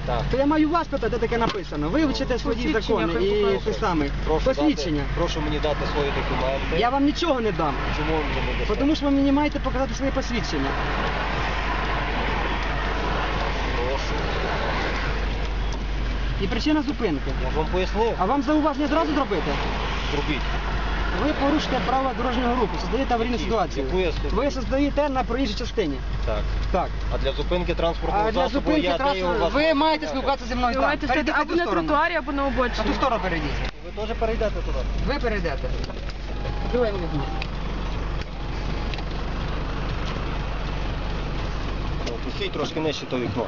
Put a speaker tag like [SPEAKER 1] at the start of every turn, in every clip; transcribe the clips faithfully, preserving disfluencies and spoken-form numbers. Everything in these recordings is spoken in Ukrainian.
[SPEAKER 1] Так.
[SPEAKER 2] То я маю вас питати, де таке написано. Вивчите свої закони і те саме. Посвідчення.
[SPEAKER 1] Дати, прошу мені дати свої документи.
[SPEAKER 2] Я вам нічого не дам.
[SPEAKER 1] Чому ви мені не дасте?
[SPEAKER 2] Тому що ви мені маєте показати своє посвідчення.
[SPEAKER 1] Прошу.
[SPEAKER 2] І причина зупинки.
[SPEAKER 1] Я ж вам пояснив.
[SPEAKER 2] А вам зауваження зразу зробити?
[SPEAKER 1] Зробіть.
[SPEAKER 2] Ви порушите правила дорожнього руху, создаєте аварійну ситуацію.
[SPEAKER 1] Яку я создаю?
[SPEAKER 2] Ви создаєте на проїжджій частині.
[SPEAKER 1] Так.
[SPEAKER 2] Так.
[SPEAKER 1] А для зупинки транспортного
[SPEAKER 2] А для
[SPEAKER 1] засобу
[SPEAKER 2] зупинки
[SPEAKER 1] я даю
[SPEAKER 2] транспорту
[SPEAKER 1] вас...
[SPEAKER 2] ви маєте спілкуватися зі мною так.
[SPEAKER 3] Давайте
[SPEAKER 2] Перейдіть
[SPEAKER 3] стояти або
[SPEAKER 2] ту
[SPEAKER 3] на
[SPEAKER 2] сторону.
[SPEAKER 3] тротуарі, або на
[SPEAKER 2] На
[SPEAKER 3] обочині.
[SPEAKER 2] ту сторону перейдіть.
[SPEAKER 1] Ви теж перейдете туди?
[SPEAKER 2] Ви перейдете. Давай мені візьму.
[SPEAKER 1] Пустіть трошки нижче то вікно.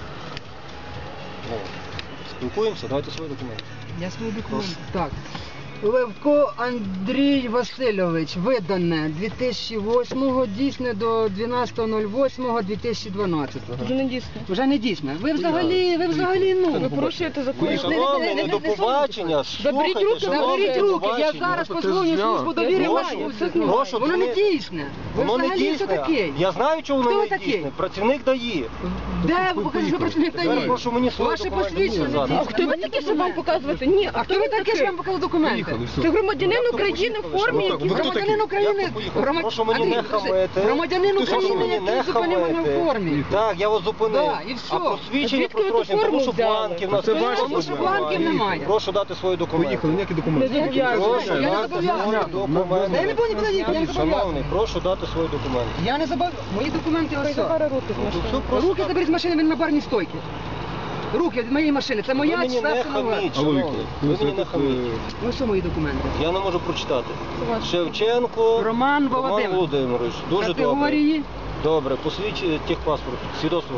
[SPEAKER 1] Ну, спілкуємося, давайте свої документи.
[SPEAKER 2] Я свої документи. Так. Левко Андрій Васильович, видане дві тисячі восьмого, дійсне до дванадцятого восьмого дві тисячі дванадцятого.
[SPEAKER 3] Вже не дійсно.
[SPEAKER 2] Вже не дійсне. Ви взагалі, ви взагалі, ну.
[SPEAKER 3] Ви порушуєте закон.
[SPEAKER 1] Шановний, не до побачення.
[SPEAKER 3] Заберіть
[SPEAKER 1] Слухайте,
[SPEAKER 3] руки,
[SPEAKER 1] шановний,
[SPEAKER 2] Заберіть
[SPEAKER 1] до
[SPEAKER 2] руки, я
[SPEAKER 1] побачення.
[SPEAKER 2] зараз позвоню службу довіри
[SPEAKER 1] Прошу,
[SPEAKER 2] маю.
[SPEAKER 1] прошу,
[SPEAKER 2] Воно не
[SPEAKER 1] ви-
[SPEAKER 2] дійсне. Ви
[SPEAKER 1] Воно не
[SPEAKER 2] взагалі хто
[SPEAKER 1] дійсне.
[SPEAKER 2] такий?
[SPEAKER 1] Я знаю, чого
[SPEAKER 2] Хто
[SPEAKER 1] воно
[SPEAKER 2] ви
[SPEAKER 1] не
[SPEAKER 2] такий?
[SPEAKER 1] дійсне. Працівник дає.
[SPEAKER 2] Де ви покажете, що працівник
[SPEAKER 1] Тепер
[SPEAKER 2] дає?
[SPEAKER 1] прошу мені свої
[SPEAKER 2] Ваше
[SPEAKER 1] документи
[SPEAKER 2] посвідчення не
[SPEAKER 1] показати.
[SPEAKER 2] дійсне.
[SPEAKER 3] А хто ви такі, щоб вам показувати? Ні,
[SPEAKER 2] А хто ви такі, що вам показали документи?
[SPEAKER 3] Це громадянин України в формі,
[SPEAKER 1] Ну, так,
[SPEAKER 3] який...
[SPEAKER 1] ви хто
[SPEAKER 2] Громадянин
[SPEAKER 1] такий?
[SPEAKER 2] України.
[SPEAKER 1] Я поїхав.
[SPEAKER 2] громад-
[SPEAKER 1] Прошу мені не
[SPEAKER 2] Андрій,
[SPEAKER 1] хамити.
[SPEAKER 2] Громадянин
[SPEAKER 1] Прошу
[SPEAKER 2] України,
[SPEAKER 1] мені не
[SPEAKER 2] який зупинив мене
[SPEAKER 1] хамити.
[SPEAKER 2] в формі.
[SPEAKER 1] Так, я вас зупинив.
[SPEAKER 2] Да, і все.
[SPEAKER 1] А посвідчення
[SPEAKER 3] Звідки ви ту
[SPEAKER 1] прострочені, тому
[SPEAKER 3] форму
[SPEAKER 1] що
[SPEAKER 3] взяли?
[SPEAKER 1] бланків нас
[SPEAKER 4] Це ваші
[SPEAKER 2] Тому що бланків немає.
[SPEAKER 1] Прошу дати свої документи.
[SPEAKER 4] Поїхали, ніякі
[SPEAKER 3] Не
[SPEAKER 4] документи.
[SPEAKER 3] зобов'язані.
[SPEAKER 1] Прошу
[SPEAKER 2] Я не
[SPEAKER 1] дати
[SPEAKER 2] зобов'язаний.
[SPEAKER 1] свої документи.
[SPEAKER 2] Я не буду нікуди їхати, я не
[SPEAKER 1] Шановний,
[SPEAKER 2] зобов'язаний.
[SPEAKER 1] прошу дати свої документи.
[SPEAKER 2] Я не забав. Мої документи ось.
[SPEAKER 3] Забери руки з
[SPEAKER 1] Ну,
[SPEAKER 3] машини.
[SPEAKER 1] все просто
[SPEAKER 2] Руки заберіть з машини, він на барній стойці. Руки від моєї машини. Це
[SPEAKER 1] Ви
[SPEAKER 2] моя
[SPEAKER 1] мені
[SPEAKER 2] чи
[SPEAKER 1] не
[SPEAKER 2] це нове?
[SPEAKER 1] хаміть,
[SPEAKER 4] Алло,
[SPEAKER 1] шановний.
[SPEAKER 4] Віктор,
[SPEAKER 1] Ви
[SPEAKER 4] ви
[SPEAKER 1] мені не
[SPEAKER 4] тут,
[SPEAKER 1] хаміть.
[SPEAKER 2] Ну що мої документи?
[SPEAKER 1] Я не можу прочитати.
[SPEAKER 3] Ваш.
[SPEAKER 1] Шевченко
[SPEAKER 2] Роман Володимир.
[SPEAKER 1] Володимирович. Дуже добре.
[SPEAKER 2] Категорії.
[SPEAKER 1] Добре, посвідчення техпаспорт, свідоцтво,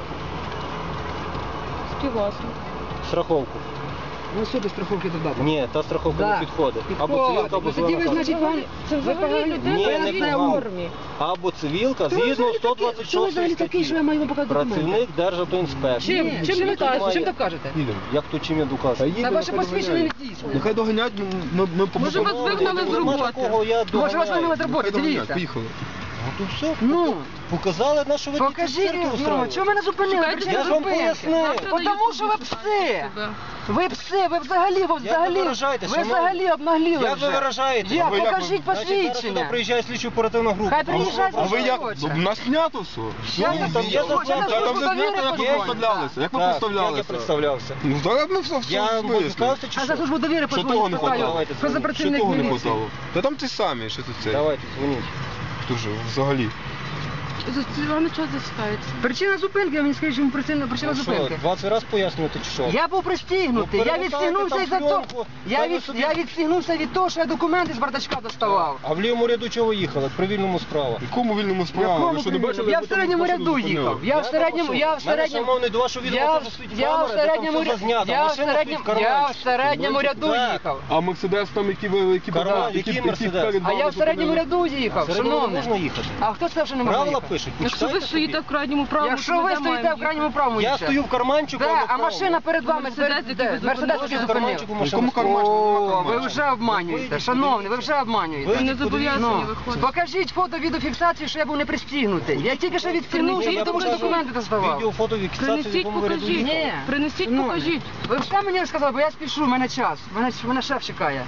[SPEAKER 3] Співвласник.
[SPEAKER 1] страховку.
[SPEAKER 2] Ну сюди страховки додати.
[SPEAKER 1] Ні, та страховка
[SPEAKER 2] Да.
[SPEAKER 1] не підходить. Або
[SPEAKER 2] Підходить.
[SPEAKER 1] цивілка, або
[SPEAKER 2] Ви тоді ви,
[SPEAKER 1] зелена
[SPEAKER 2] значить,
[SPEAKER 1] карта.
[SPEAKER 2] вам...
[SPEAKER 3] Це
[SPEAKER 2] ви
[SPEAKER 3] взагалі
[SPEAKER 2] погано-
[SPEAKER 3] людина
[SPEAKER 1] Ні,
[SPEAKER 3] в
[SPEAKER 1] не
[SPEAKER 3] різній
[SPEAKER 1] погано.
[SPEAKER 3] формі.
[SPEAKER 1] Або цивілка,
[SPEAKER 2] Хто ви
[SPEAKER 1] згідно
[SPEAKER 2] взагалі
[SPEAKER 1] сто
[SPEAKER 2] такий-
[SPEAKER 1] двадцять
[SPEAKER 2] хто ви взагалі
[SPEAKER 1] шостої
[SPEAKER 2] такий, що я
[SPEAKER 1] статті.
[SPEAKER 2] маю вам показати документи?
[SPEAKER 1] Працівник Державтоінспекції.
[SPEAKER 3] Чим?
[SPEAKER 2] Ні,
[SPEAKER 3] Чим
[SPEAKER 2] чим
[SPEAKER 3] ви
[SPEAKER 2] ви
[SPEAKER 3] кажете?
[SPEAKER 2] кажете? Чим так кажете?
[SPEAKER 4] Їдемо.
[SPEAKER 1] Як то чим я докажу?
[SPEAKER 4] Та їдемо,
[SPEAKER 2] Та ваше
[SPEAKER 4] нехай
[SPEAKER 2] посвідчення не
[SPEAKER 4] доганяють.
[SPEAKER 2] дійсне.
[SPEAKER 4] Нехай доганять, ми, ми, ми
[SPEAKER 3] Може, вас
[SPEAKER 4] побудемо.
[SPEAKER 3] вигнали з
[SPEAKER 1] Нема
[SPEAKER 3] роботи?
[SPEAKER 1] такого, я
[SPEAKER 2] Може вас
[SPEAKER 1] доганяю.
[SPEAKER 2] вигнали з роботи,
[SPEAKER 4] Нехай доганять,
[SPEAKER 2] дивіться.
[SPEAKER 4] поїхали.
[SPEAKER 1] Ну то все,
[SPEAKER 2] Ну,
[SPEAKER 1] показали, на що ви тільки
[SPEAKER 2] покажіть,
[SPEAKER 1] цирки
[SPEAKER 2] ну,
[SPEAKER 1] устроюєте.
[SPEAKER 2] чого мене зупинили?
[SPEAKER 3] Чекайте,
[SPEAKER 2] Причина
[SPEAKER 1] я ж вам
[SPEAKER 2] зупинки.
[SPEAKER 1] пояснив.
[SPEAKER 2] Потому що ви пси. Ви пси, ви взагалі, ви взагалі,
[SPEAKER 1] ви виражаєте,
[SPEAKER 2] ви
[SPEAKER 1] шановні?
[SPEAKER 2] взагалі обнагліли
[SPEAKER 1] Як
[SPEAKER 2] вже.
[SPEAKER 1] ви виражаєте?
[SPEAKER 2] Як?
[SPEAKER 1] А ви як
[SPEAKER 2] Покажіть
[SPEAKER 1] ви- Значить, зараз сюди
[SPEAKER 2] посвідчення.
[SPEAKER 1] приїжджає слідчо оперативна група.
[SPEAKER 2] Хай приїжджають,
[SPEAKER 4] А ви як?
[SPEAKER 2] хоче.
[SPEAKER 4] У нас знято все.
[SPEAKER 2] Я
[SPEAKER 1] Ні,
[SPEAKER 2] не
[SPEAKER 1] там є
[SPEAKER 2] знаю,
[SPEAKER 1] закон.
[SPEAKER 2] я не
[SPEAKER 4] Та
[SPEAKER 2] знаю,
[SPEAKER 4] там
[SPEAKER 2] що
[SPEAKER 4] не знято,
[SPEAKER 2] довіри
[SPEAKER 4] як ви
[SPEAKER 2] подзвонять.
[SPEAKER 4] представлялися. Як ви
[SPEAKER 1] Так,
[SPEAKER 4] представлялися?
[SPEAKER 1] як я представлявся.
[SPEAKER 4] Ну, зараз ми все все
[SPEAKER 1] Я
[SPEAKER 4] в
[SPEAKER 1] вам буду
[SPEAKER 4] смислі.
[SPEAKER 1] сказати, чи
[SPEAKER 2] А за
[SPEAKER 1] що?
[SPEAKER 2] службу довіри
[SPEAKER 4] Що того
[SPEAKER 2] подзвонять,
[SPEAKER 4] не
[SPEAKER 2] питаю,
[SPEAKER 4] хватало?
[SPEAKER 1] Давайте
[SPEAKER 2] що за
[SPEAKER 1] дзвоніть.
[SPEAKER 4] Що
[SPEAKER 2] працівник
[SPEAKER 4] того не
[SPEAKER 2] міліції.
[SPEAKER 4] хватало? Та там ті самі, що тут це.
[SPEAKER 1] Давайте, дзвоніть.
[SPEAKER 4] Хто ж взагалі?
[SPEAKER 3] Вони час засікається.
[SPEAKER 2] Причина зупинки, я мені скажіть, чому причина, причина
[SPEAKER 1] Ну що,
[SPEAKER 2] зупинки.
[SPEAKER 1] двадцять разів пояснювати, чи що?
[SPEAKER 2] Я був пристігнутий,
[SPEAKER 1] Ну,
[SPEAKER 2] я
[SPEAKER 1] перемотайте
[SPEAKER 2] відстігнувся
[SPEAKER 1] там
[SPEAKER 2] із-за
[SPEAKER 1] пленку,
[SPEAKER 2] того, я,
[SPEAKER 1] хай ви
[SPEAKER 2] від,
[SPEAKER 1] собі-
[SPEAKER 2] я відстігнувся від того, що я документи з бардачка доставав.
[SPEAKER 1] А в лівому ряду чого ви їхали? При вільному справа.
[SPEAKER 4] В якому вільному справі?
[SPEAKER 2] Якому
[SPEAKER 4] Ви що не
[SPEAKER 2] вільному?
[SPEAKER 4] бачили?
[SPEAKER 2] Я
[SPEAKER 4] як
[SPEAKER 2] в
[SPEAKER 4] ви там
[SPEAKER 2] середньому
[SPEAKER 4] машину
[SPEAKER 2] ряду
[SPEAKER 4] зупинили?
[SPEAKER 2] їхав. Я в середньому, я в середньому,
[SPEAKER 1] Шановний, до вашого відео
[SPEAKER 2] я,
[SPEAKER 1] теж
[SPEAKER 2] в-
[SPEAKER 1] стоїть
[SPEAKER 2] я в
[SPEAKER 1] камера, де там
[SPEAKER 2] середньому,
[SPEAKER 1] все
[SPEAKER 2] ря-
[SPEAKER 1] зазнято.
[SPEAKER 2] я в
[SPEAKER 1] Машина
[SPEAKER 2] середньому,
[SPEAKER 1] стоїть в
[SPEAKER 2] я в
[SPEAKER 1] карманчику.
[SPEAKER 2] середньому
[SPEAKER 1] Ну,
[SPEAKER 2] ряду
[SPEAKER 1] так.
[SPEAKER 2] їхав.
[SPEAKER 4] А Мерседес там, які ви, які
[SPEAKER 1] Карман,
[SPEAKER 4] які-
[SPEAKER 1] який
[SPEAKER 4] які
[SPEAKER 1] Мерседес?
[SPEAKER 4] перед
[SPEAKER 2] А
[SPEAKER 4] вами
[SPEAKER 2] я в середньому
[SPEAKER 4] зупинили?
[SPEAKER 2] ряду їхав,
[SPEAKER 1] Середньому
[SPEAKER 2] шановний.
[SPEAKER 1] можна їхати?
[SPEAKER 2] А хто це вже не може
[SPEAKER 1] Правила
[SPEAKER 2] їхати?
[SPEAKER 1] пишуть,
[SPEAKER 3] Якщо ви
[SPEAKER 1] почитайте
[SPEAKER 3] стоїте
[SPEAKER 1] собі.
[SPEAKER 3] в крайньому правому,
[SPEAKER 2] Якщо ви стоїте в крайньому правому
[SPEAKER 1] Я
[SPEAKER 2] їдьте.
[SPEAKER 1] стою в карманчику, а
[SPEAKER 2] Да,
[SPEAKER 1] не в
[SPEAKER 2] а
[SPEAKER 1] правому.
[SPEAKER 2] машина перед вами,
[SPEAKER 3] Мерседес,
[SPEAKER 2] перед-
[SPEAKER 3] який ви
[SPEAKER 2] де? Мерседес,
[SPEAKER 3] зупинили.
[SPEAKER 2] який
[SPEAKER 1] В
[SPEAKER 2] зупинив.
[SPEAKER 1] карманчику
[SPEAKER 4] В
[SPEAKER 1] машина
[SPEAKER 4] якому
[SPEAKER 1] стоїть.
[SPEAKER 4] карманчику?
[SPEAKER 2] О, ви вже обманюєте,
[SPEAKER 1] Вийдіть,
[SPEAKER 2] шановний, ви вже
[SPEAKER 1] Ви
[SPEAKER 2] обманюєте.
[SPEAKER 3] не зобов'язані
[SPEAKER 2] Ну,
[SPEAKER 3] виходити.
[SPEAKER 2] покажіть фото відеофіксації, що я був не пристігнутий. Я тільки що відстігнувся,
[SPEAKER 1] Я
[SPEAKER 2] тому що
[SPEAKER 1] покажу
[SPEAKER 2] документи доставав.
[SPEAKER 1] Відео, фото, фіксацію, в
[SPEAKER 3] Принесіть,
[SPEAKER 1] якому ви ряду
[SPEAKER 3] покажіть.
[SPEAKER 1] їхали.
[SPEAKER 2] Ні.
[SPEAKER 3] Принесіть,
[SPEAKER 2] Ну,
[SPEAKER 3] покажіть.
[SPEAKER 2] Ви все мені сказали, бо я спішу, в мене час. Мене, мене шеф чекає.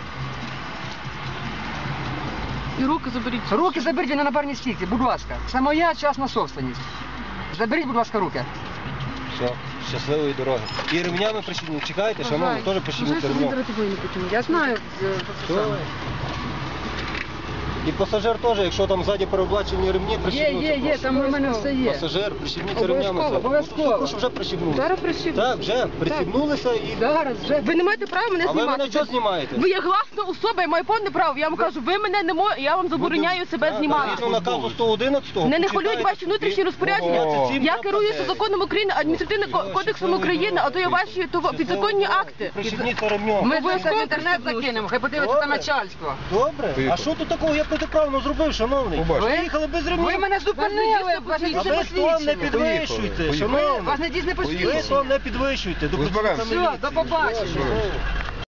[SPEAKER 3] І руки заберіть.
[SPEAKER 2] Руки заберіть, він на барній стійці, будь ласка. Це моя частна собственність. Заберіть, будь ласка, руки.
[SPEAKER 1] Все, щасливої дороги. І ремнями прищепніть. Чекайте, шановні, теж прищепніть ремнем.
[SPEAKER 2] Я знаю. е,
[SPEAKER 1] Все. І пасажир теж, якщо там ззаді переоблачені ремні,
[SPEAKER 2] Є,
[SPEAKER 1] прищепнуться.
[SPEAKER 2] є, є,
[SPEAKER 1] прошу.
[SPEAKER 2] там у мене все є.
[SPEAKER 1] Пасажир, прищепніться
[SPEAKER 2] Обов'язково,
[SPEAKER 1] ремнями. ззаді.
[SPEAKER 2] обов'язково.
[SPEAKER 1] Ну, Прошу, вже прищепнулися.
[SPEAKER 3] Зараз прищепніть.
[SPEAKER 1] Так, вже прищепнулися і...
[SPEAKER 2] Зараз вже.
[SPEAKER 3] Ви не маєте права мене
[SPEAKER 1] А ви
[SPEAKER 3] знімати.
[SPEAKER 1] мене чого знімаєте?
[SPEAKER 3] Ви є гласна особа, я маю повне право. Я вам кажу, ви мене не мо... я вам забороняю себе
[SPEAKER 1] Так,
[SPEAKER 3] знімати.
[SPEAKER 1] Згідно наказу сто одинадцятого.
[SPEAKER 3] Мене не
[SPEAKER 1] почитайте
[SPEAKER 3] хвилюють ваші
[SPEAKER 1] собі.
[SPEAKER 3] внутрішні розпорядження.
[SPEAKER 1] О.
[SPEAKER 3] Я керуюся законом України, адміністративним ко- кодексом України, а то є ваші то підзаконні акти.
[SPEAKER 1] Прищепніться ремнем.
[SPEAKER 2] Ми
[SPEAKER 3] Обов'язково
[SPEAKER 2] це в інтернет
[SPEAKER 3] прищепнусь.
[SPEAKER 2] закинемо, хай подивиться там
[SPEAKER 1] Добре.
[SPEAKER 2] начальство.
[SPEAKER 1] Добре. А
[SPEAKER 4] Поїхали.
[SPEAKER 1] що тут такого я протиправно зробив, шановний?
[SPEAKER 4] Побачите.
[SPEAKER 1] Ви їхали без ремнів.
[SPEAKER 2] Ви мене зупинили, вас не
[SPEAKER 1] А
[SPEAKER 2] дійсне
[SPEAKER 1] ви ж тон не
[SPEAKER 2] посвідчення.
[SPEAKER 1] підвищуйте,
[SPEAKER 4] Поїхали.
[SPEAKER 1] шановний.
[SPEAKER 2] Вас не дійсне
[SPEAKER 1] Ви
[SPEAKER 2] посвідчення.
[SPEAKER 1] тон не підвищуйте. До
[SPEAKER 4] Розберемося.
[SPEAKER 1] працівника
[SPEAKER 2] Все, до
[SPEAKER 1] міліції.
[SPEAKER 2] побачення.
[SPEAKER 1] Все.